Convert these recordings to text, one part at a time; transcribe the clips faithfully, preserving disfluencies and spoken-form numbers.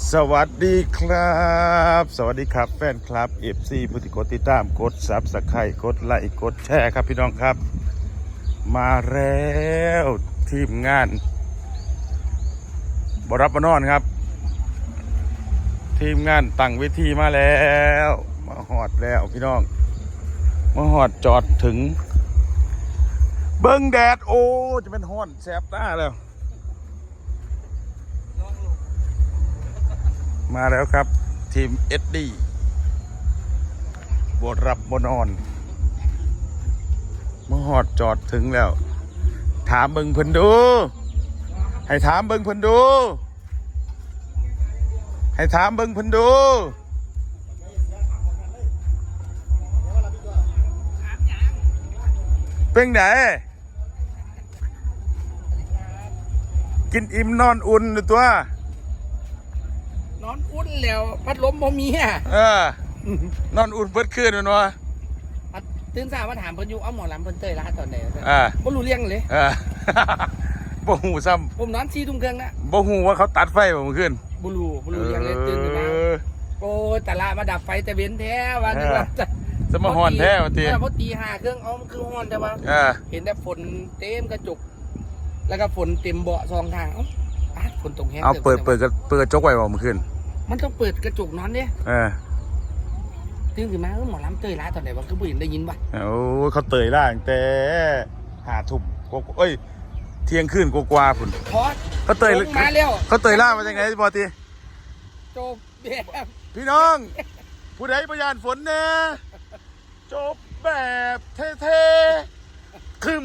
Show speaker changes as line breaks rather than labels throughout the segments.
สวัสดีครับสวัสดีครับแฟนคลับ เอฟ ซี ผู้ที่กดติดตามกดซับสไครต์กดไลค์กดแชร์ครับพี่น้องครับมาแล้วทีมงานบรับบนอนครับทีมงานตั้งเวทีมาแล้วมาหอดแล้วพี่น้องมาหอดจอดถึงเบิ้งแดดโอ้จะเป็นห้อนแสบตาแล้วมาแล้วครับทีม เอส ดี บวรับบนอนมาหอดจอดถึงแล้วถามเบิ่งเพิ่นดูให้ถามเบิ่งเพิ่นดูให้ถามเบิ่งเพิ่นดูเป็นไงกินอิ่มนอนอุ่นหรือตัวน
อนอุ่นแล้วพัดลมบ่มีอ่ะ
เออนอนอุ่นเบิดคืนมันวะ
ตื่นสายมาถามเพิ่นอยู่เอาหมอลำเพิ่นเตยร้านตอนไหน
อ่า
บ่รู้เรื่องเลย
เออบ่หูซ้
ำผมนอนสี่ทุ่มครึ่งนะ
บ่หูว่าเขาตัดไฟบ่เมื่อคืน
บ่รู้บ่รู้เรื่องเลยตื่นขึ้นมาโอ้ยตะละมาดับไฟแต่เว้นแท้ว่านึกว่า
จะมาฮ้อนแท้ว่าติ
พอตีห้าครึ่งเอามันคือฮ้อนแต่ว่าเห็นแต่ฝนเต็มกระจกแล้วก็ฝนเต็มเบาะสองทางเอ้าฝนตกแห้ง
เอาเปิดเปิดเปิดกระจกไว้บ่เมื่อคืน
มันต้องเปิดกระจกนอนเนี่ย
เออ
ตื่นขึ้นมาหมอลำเตยร้านตอนไหนวะคือผู้หญิงได้ยินป่ะ
โอ้เขาเตยล่างแต่หาทุ่มเอ้ยเที่ยงคืนกว่าๆพุ่น
พอ
เขาเตย
มาแล้ว
เขาเตยล่ามาจังไงบ่ติ
จบแบบ
พี่น้องผู้ใดประยานฝนแน่จบแบบเท่ๆคึม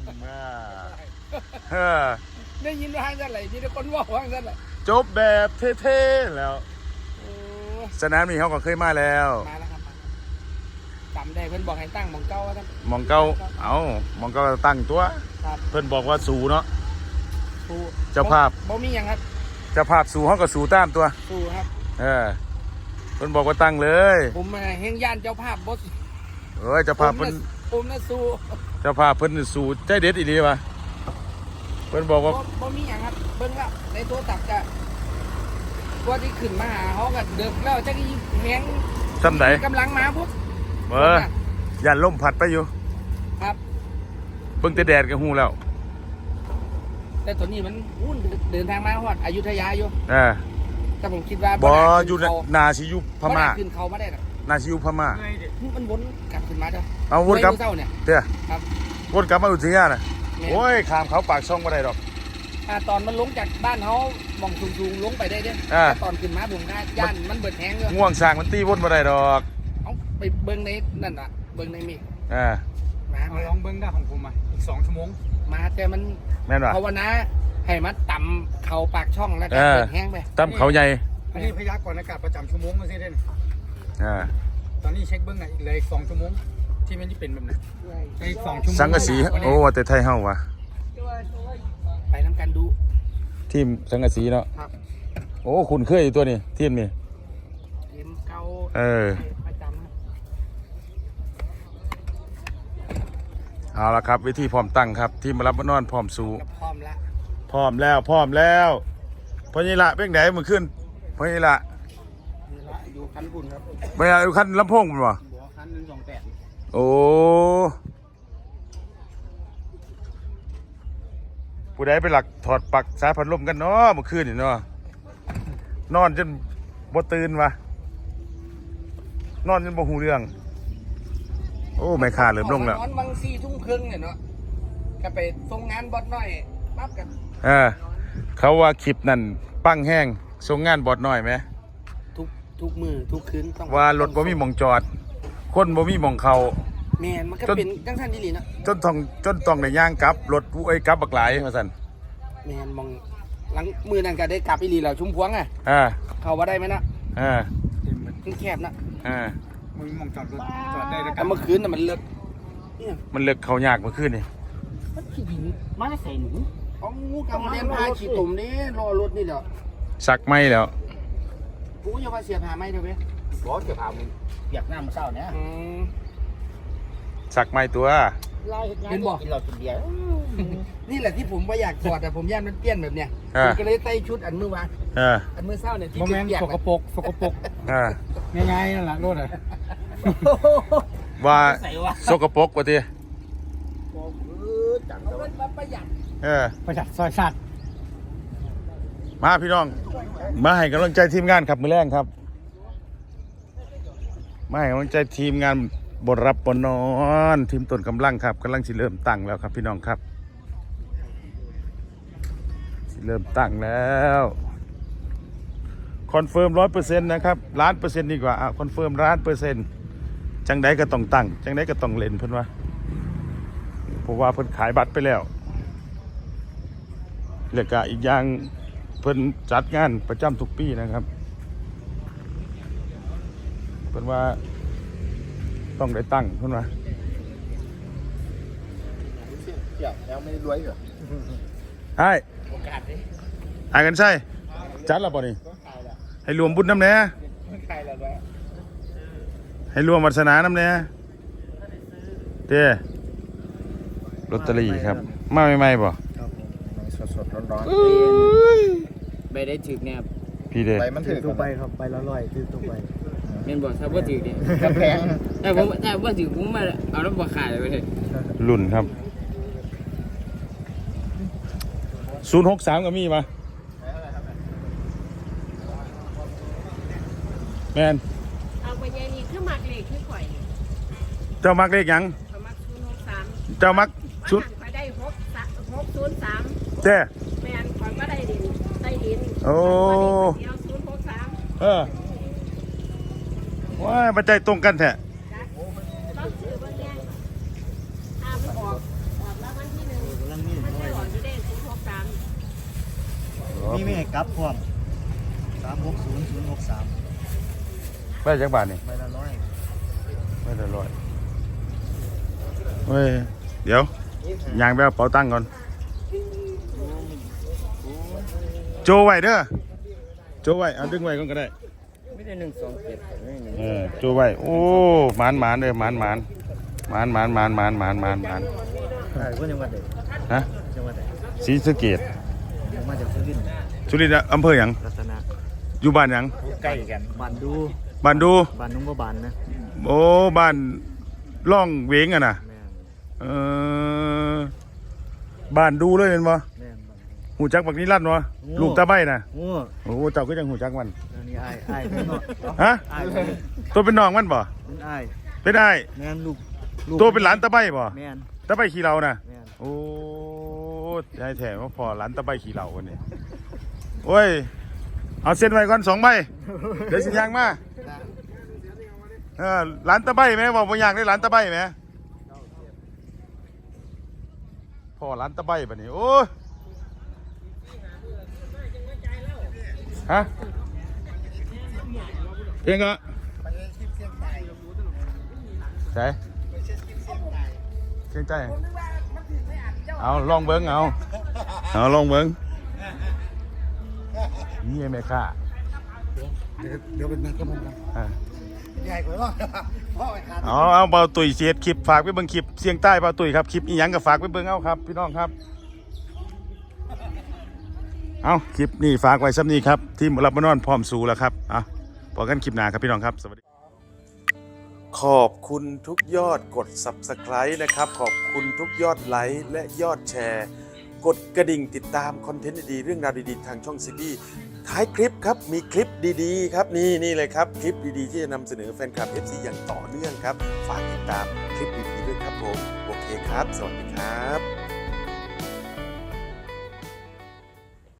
อ่า
ได้ยินว่าจังไรมีแต่คนว่าว่าจังไร
จบแบบเท่ๆแล้วสนามนี้เขาก็เคยมาแล้ว
มาแล้วครับจำได้เพื่อนบอกให้ตั้งมองเก้าว่า
มองเก้าเอามองเก้าตั้งตัวเพื่อนบอกว่าสูเนาะเจ้าภาพ
บ่มีอย่างครับ
เจ้าภาพสูเขาก็สูตามตัว
สูครับ
เออเพื่อนบอกว่าตั้งเลย
ผมเฮงย่านเจ้าภาพบอส
เอ้ยเจ้าภาพเพื่อน
ผมน่ะสู
เจ้าภาพเพื่อนสูใจเด็ดอีหลีป่ะเพื่อนบอกว่า
บ่มีอย่างครับเบิ้งว่าในตัวตักจะว่าที่ขึ้นมาหาเขาก็เดินแล้วจะกี่แหง
ซ้ำไหน
กำลังมาปุ๊บ
เออยันล่มผัดไปอยู่
ครับ
เบิ่งแต่แดดกับหูแล้ว
แต่ตอนนี้มันวุ่นเดินทางมาฮอดอยุธยาอยู่
เออ
แต่ผมคิดว่า
บ่อยู่นาชิยุพม่า
ขึ้นเขามาได้หรอ
นาชิยุพม่า
มันวนกลับขึ้นมาเด้อ
เอาวนกลับ
เนี่ย
เด้อ
ครับ
วนกลับมาอุทยานน่ะโอ้ยข้ามเขาปากช่องบ่ได้ดอก
อ่าตอนมันลงจากบ้านเขามองสูงๆลงไปได้เด้อตอนขึ้นมาผมนะย่านมันเบิดแห้งเลย
ง่วงสร้างมันตีวนบ่ได้ดอก
เอาไปเบิ้งในนั่นน่ะเบิ้งในมี
อ่า
มา
ลองเบิ้งได้ของผมอ่ะอีกสองชั่วโมง
มาแต่มัน
แม่นว่ะ
ภาวนาให้มันต่ำเขาปากช่องแล้วก็เบิดแห้งไป
ต่ำเขาใหญ่
อันนี้พยากรณ์อากาศประจำชั่วโมงมาสิเด่น
อ่า
ตอนนี้เช็คเบิ้งไหนอีกเลยสองชั่วโมงที่มันจะเป็นแบบนั้นอีกสองชั่วโมง
สังกะสีโอ้แต่ไทยเฮาวะ
ไปทำการดู
ทีมสังกะสีเนาะโอ้คุณเคยอยู่ตัวนี้ทีมนี่
ทีมเก่า
เออ
ประจ
ำเอาละครับวิธีพร้อมตั้งครับทีมมารับบนอนพร้อมสู้
พร้อมแล้ว
พร้อมแล้วพร้อมแล้วพอนี่ละเป็นไหนมือขึ้นพอนี่ละ
อยู่คันบุญครับ
ไม่เอาอยู่คันลำโพงมันวะ
คันหนึ่งสองแปด
โอ้ผู้ใดไปหลักถอดปลั๊กสายพัดลมกันเนาะเมื่อคืนนี่เนาะนอนจนบ่ตื่นวะนอนจนบ่หูเรื่องโอ้ไม่ขาดเริ่มลงแล้ว
นอนบางสี่ทุ่มครึ่งเนี่ยเนาะก็ไปส่งงานบอสน้อยปั๊บกัน
เออเขาว่าคลิปนั่นปั้งแห้งส่งงานบอสน้อยไหม
ทุกทุกมือทุกคืน
ต้องว่ารถบ่มีหม่องจอดคนบ่มีหม่องเขา
แม่นมันก็เป็นจังซั่นอีหลีเนาะ
จนต้องจนต้องได้ย่างกลับรถไอ้กลับบักหลายว่าซั่น
แม่นมองหลังมือนั่นก็ได้กลับอีหลีแล้วชุมพวงอ่ะ
อ่า
เข้าบ่ได้มั้ยนะ
อ่า
มันแคบนะ
อ่า
มึงมองจอดรถจอดได้แล้ว
กันเมื่อคืนน่ะมันเลิก
มันเลิกเขายากเมื่อคืนนี่
มันขี้ดินมาใส่หนูเอางูกับเรียนพาขี้ตุ่มนี่รอรถนี่แหละ
สักไม่แล้ว
กูจะมาเสียบหาไม่เด้อเว้ยบ่เสียบหามึงอยากน้ำมื้อเช้าเนี่ย
สักไม่ตัว
มเป็นบอก
กินเหล้ากินเบียร์
นี่แหละที่ผมว่าอยากถอดแต่ผมย่านมันเปี้ยนแบบเนี้ย
อ่า
ผมก็เลยใส่ชุดอันเมื่อวาน
เออ
อันเมื่อเช้าเนี่ยที่
โมเมนต์
เปียก
ส
ๆ
กปรกสกปรก
เออ
ง่ายๆนั่นแหละรถอ่ะ
ว่าสกปรกว่าติ
เอาเงินมาประหยัด
เออ
ประหยัดซอยสัตว์
มาพี่น้อง มาให้กำลังใจทีมงานครับมือแรงครับ มาให้กำลังใจทีมงานบทรับบทนอนทีมต้นกำลังครับกำลังสิเริ่มตั้งแล้วครับพี่น้องครับสิเริ่มตั้งแล้วคอนเฟิร์มร้อยเปอร์เซ็นต์นะครับล้านเปอร์เซ็นต์ดีกว่าอ่ะคอนเฟิร์มล้านเปอร์เซ็นต์จังใดก็ต้องตั้งจังใดก็ต้องเล่นเพิ่นว่าเพราะว่าเพิ่นขายบัตรไปแล้วแล้วก็อีกอย่างเพิ่นจัดงานประจำทุกปีนะครับเพิ่นว่าต้องได้ตั้งเพิ่นว่า
เดี๋ยวยังไม่รวยเหรอ
ไอ้
โอกาสดิ
ไอ้กันใช่จัดแล้วป่ะนี่ให้รวมบุญน้ำแน่
ใครละวะ
ให้รวมวาสนาน้ำแน่เด้ลอตเตอรี่ครับ มาใหม่ๆป่ะ
สดสดร้อนร้อน
ไม่ได้ถึกแนบ
พี่เด้
ไปมันถือ
ตัวไปครับไปละร้อยคือตัวไป
เมนบอกถ้าว่าถึกเนี่ย
กระแพง
แต่ผมแต่ว่าถึกผมมาเอาน้ำปลาขายไปเลย
รุ่นครับศูนย์หกสามก็มีป่ะแมน
เอาไปยายนี่คือมักเลขคือข่อยนี่
เจ้ามักเลขหยัง
เขามักศูนย์หกสาม
เจ้ามัก
ชุ
ชุ
ด
ด
ข่อยได้หกสามหกศูนย์สาม
เจ้
แมนข่อยก็ได้ดินได้ดิน
โอ้
เดียวศูนย์หกสาม
เออว้ายมาใจตรงกันแท้
ต้องซื้อบางแง่ถ้ามันออกออกแล้ววันที่หนึ่งมันจะออกที่ได้ศูนย์หกสาม
นี่ไม่ให้กลับพร้อมสามหกศูนย์ศูนย์หกสาม
ไปจักบาทนี่
ใบละร้อย
ไม่ได้ร้อยเว้ยเดี๋ยว ยางไปเอาเป๋าตังค์ก่อน โจไว้เด้อ โจไว้ เอาดึงไว้ก่อนก็ได้
ไม่ได้หนึ่งสองเจ็ดไม่หนึ่ง
เออ โจไว้ โอ้หมานหมานเลยหมานหมานหมานหมานหมานหมานหมานหมานหมาน
ใช่เพื่อนจังหวัดไหน
ฮะ
จังหวัดไหน
ศรีสะเกษ
ผมมาจากสุรินทร์
สุรินทร์อำเภอหยัง
รัตนะ
อยู่บ้านหยัง
ใกล้กัน
บ้านดู
บ้านดู
บ้านนุ่งบ่บานนะ
โอ้ บ้านล่องเวงอะนะ
แม่น
เออ บ้านดูเลยเห็นบ่
แม่นบ้าน
หูจักบักนี้ลั่นวะ
โอ้
ลูกตาใบนะ
โอ้
โอ้เจ้าก็ยังหูจักมัน
อันนี้ไอ้ไอ้เป็นน้อง
ฮะ
ไอ้เป็น
ตัวเป็นน้องมันบ่
เป็นไอ้
เป็นได้
แม่นลูกลูก
ตัวเป็นหลานตาใบบ่
แม่น
ตาใบขี่เรานะ
แม่น
โอ้ยายแถมว่าพอหลานตาใบขี่เราวันนี้โอ้ยเอาเส้นไว้ก่อนสองใบเดี๋ยวสิยางมาเออหลานตาใบไหมบอกว่าอยากได้หลานตาใบไหมพอหลานตาใบแบบนี้โอ้ยฮะเพียงก็ใช่เชียงใจเอาลองเบิ้งเอาเอาลองเบิ้งนี่ไอ้แม่ข้า
เดี๋ยวเป็นนักกำลัง
อ่ะ
ใหญ่กว่าว่าพ่อไอ้ขาด
เอาเอาเบาตุ๋ยเสียดคลิปฝากไปเบิ้งคลิปเสียงใต้เบาตุ๋ยครับคลิปอีหยังก็ฝากไปเบิ้งเอาครับพี่น้องครับเอาคลิปนี้ฝากไว้ซ้ำนี้ครับทีมรับมานอนพร้อมสู่แล้วครับอ่ะพอกันคลิปหน้าครับพี่น้องครับสวัสดีขอบคุณทุกยอดกด ซับสไครบ์ นะครับขอบคุณทุกยอดไลค์และยอดแชร์ กดกระดิ่งติดตามคอนเทนต์ดีๆเรื่องราวดีๆทางช่องซีบีท้ายคลิปครับมีคลิปดีๆครับนี่นี่เลยครับคลิปดีๆที่จะนำเสนอแฟนคลับ เอฟ ซี อย่างต่อเนื่องครับฝากติดตามคลิปดีๆด้วยครับผมโอเคครับสวัสดีครับ